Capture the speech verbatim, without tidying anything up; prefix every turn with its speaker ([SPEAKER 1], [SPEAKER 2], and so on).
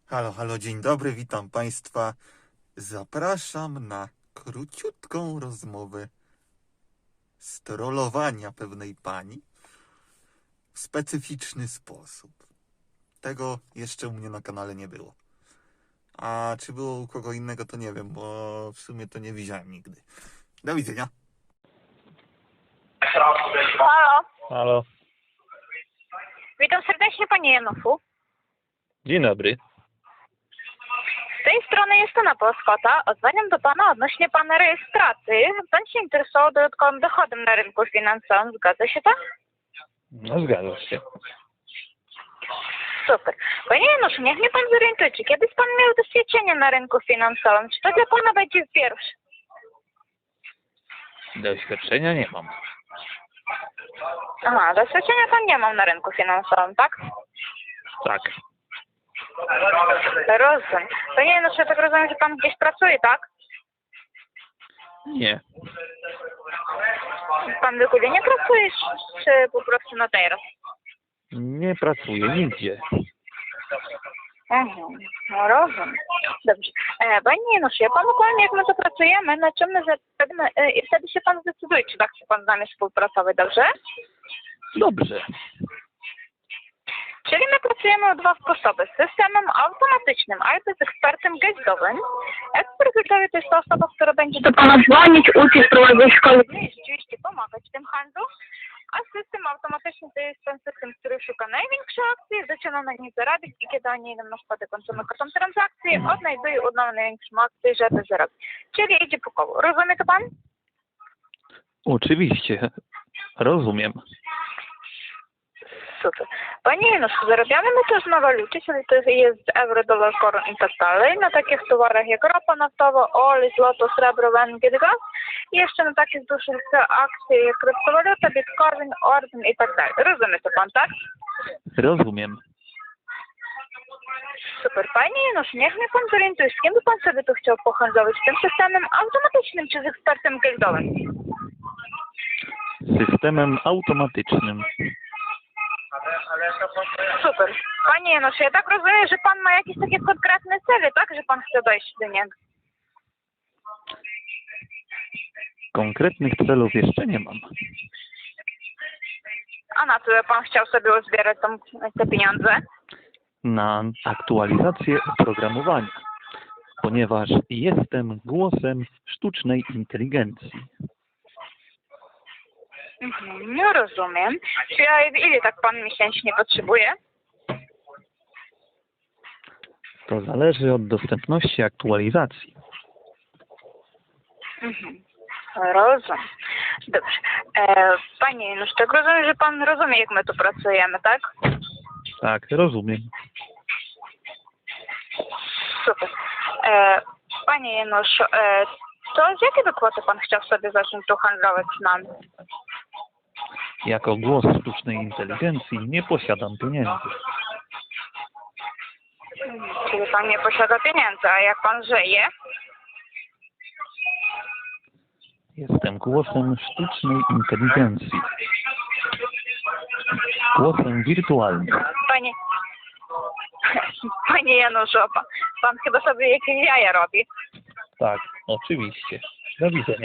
[SPEAKER 1] Halo, halo, dzień dobry, witam Państwa. Zapraszam na króciutką rozmowę strollowania pewnej pani w specyficzny sposób. Tego jeszcze u mnie na kanale nie było. A czy było u kogo innego, to nie wiem, bo w sumie to nie widziałem nigdy. Do widzenia.
[SPEAKER 2] Halo,
[SPEAKER 3] Halo,
[SPEAKER 2] witam serdecznie Panie Januszu.
[SPEAKER 3] dzień dobry.
[SPEAKER 2] Z tej strony jest Anna Polskota. Odzwaniam do Pana odnośnie Pana rejestracji. Pan się interesował dodatkowym dochodem na rynku finansowym. Zgadza się tak?
[SPEAKER 3] No zgadza się.
[SPEAKER 2] Super. Panie Januszu, niech mnie Pan zorientuje, czy kiedyś Pan miał doświadczenie na rynku finansowym? Czy to dla Pana będzie pierwszy?
[SPEAKER 3] Doświadczenia nie mam.
[SPEAKER 2] Aha, doświadczenia Pan nie mam na rynku finansowym, tak?
[SPEAKER 3] Tak.
[SPEAKER 2] Rozumiem. Panie Januszu, ja tak rozumiem, że Pan gdzieś pracuje, tak?
[SPEAKER 3] Nie.
[SPEAKER 2] Pan w ogóle nie pracuje, czy po prostu na teraz?
[SPEAKER 3] Nie pracuję nigdzie.
[SPEAKER 2] Mhm, no rozumiem. Dobrze. E, Panie Januszu, ja Panu powiem, jak my to pracujemy, na czym my zapewne, e, i wtedy się Pan zdecyduje, czy tak chce Pan z nami współpracować, dobrze?
[SPEAKER 3] Dobrze.
[SPEAKER 2] Czyli my pracujemy w dwa sposoby. Z systemem automatycznym, albo z ekspertem gestowym. Ekspert gestowy to jest ta osoba, która będzie do Pana dzwonić, uczyć, prowadzić szkolenie i rzeczywiście pomagać w tym handlu. A system automatyczny to jest ten system, który szuka największej akcji, zaczyna na niej zarabiać i kiedy oni idą na spadek kończymy kartą transakcji, odnajduje udaną największą akcję, żeby zarobić. Czyli idzie po koło. Rozumie to Pan?
[SPEAKER 3] Oczywiście. Rozumiem.
[SPEAKER 2] Super. Panie Januszu, zarabiamy my też na walucie, czyli to jest euro, dolar, koron i tak dalej, na takich towarach jak ropa naftowa, olej, złoto, srebro, węgiel, gaz i jeszcze na takich dużych akcjach jak kryptowaluta, bitcoin, ordyn i tak dalej. Rozumie to Pan, tak?
[SPEAKER 3] Rozumiem.
[SPEAKER 2] Super. Panie Januszu, niech mnie Pan zorientuje, z kim by Pan sobie tu chciał pohandlować? Z tym systemem automatycznym czy z ekspertem gildowym?
[SPEAKER 3] Systemem automatycznym.
[SPEAKER 2] Super. Panie Januszu, ja tak rozumiem, że Pan ma jakieś takie konkretne cele, tak? Że Pan chce dojść do niego.
[SPEAKER 3] Konkretnych celów jeszcze nie mam.
[SPEAKER 2] A na co Pan chciał sobie uzbierać tą, te pieniądze?
[SPEAKER 3] Na aktualizację oprogramowania, ponieważ jestem głosem sztucznej inteligencji.
[SPEAKER 2] Mhm, nie rozumiem. Czy ja, ile tak Pan miesięcznie potrzebuje?
[SPEAKER 3] To zależy od dostępności aktualizacji.
[SPEAKER 2] Mhm. Rozumiem. Dobrze. E, Panie Janusz, tak rozumiem, że Pan rozumie, jak my tu pracujemy, tak?
[SPEAKER 3] Tak, rozumiem.
[SPEAKER 2] Super. E, Panie Janusz, e, to z jakiej kwoty Pan chciał sobie zacząć tu handlować z nami?
[SPEAKER 3] Jako głos sztucznej inteligencji nie posiadam pieniędzy.
[SPEAKER 2] Mhm. Czyli Pan nie posiada pieniędzy, a jak Pan żyje?
[SPEAKER 3] Jestem głosem sztucznej inteligencji. Głosem wirtualnym.
[SPEAKER 2] Panie... Panie Januszu, pan, pan chyba sobie jakieś jaja robi.
[SPEAKER 3] Tak, oczywiście. Do widzenia.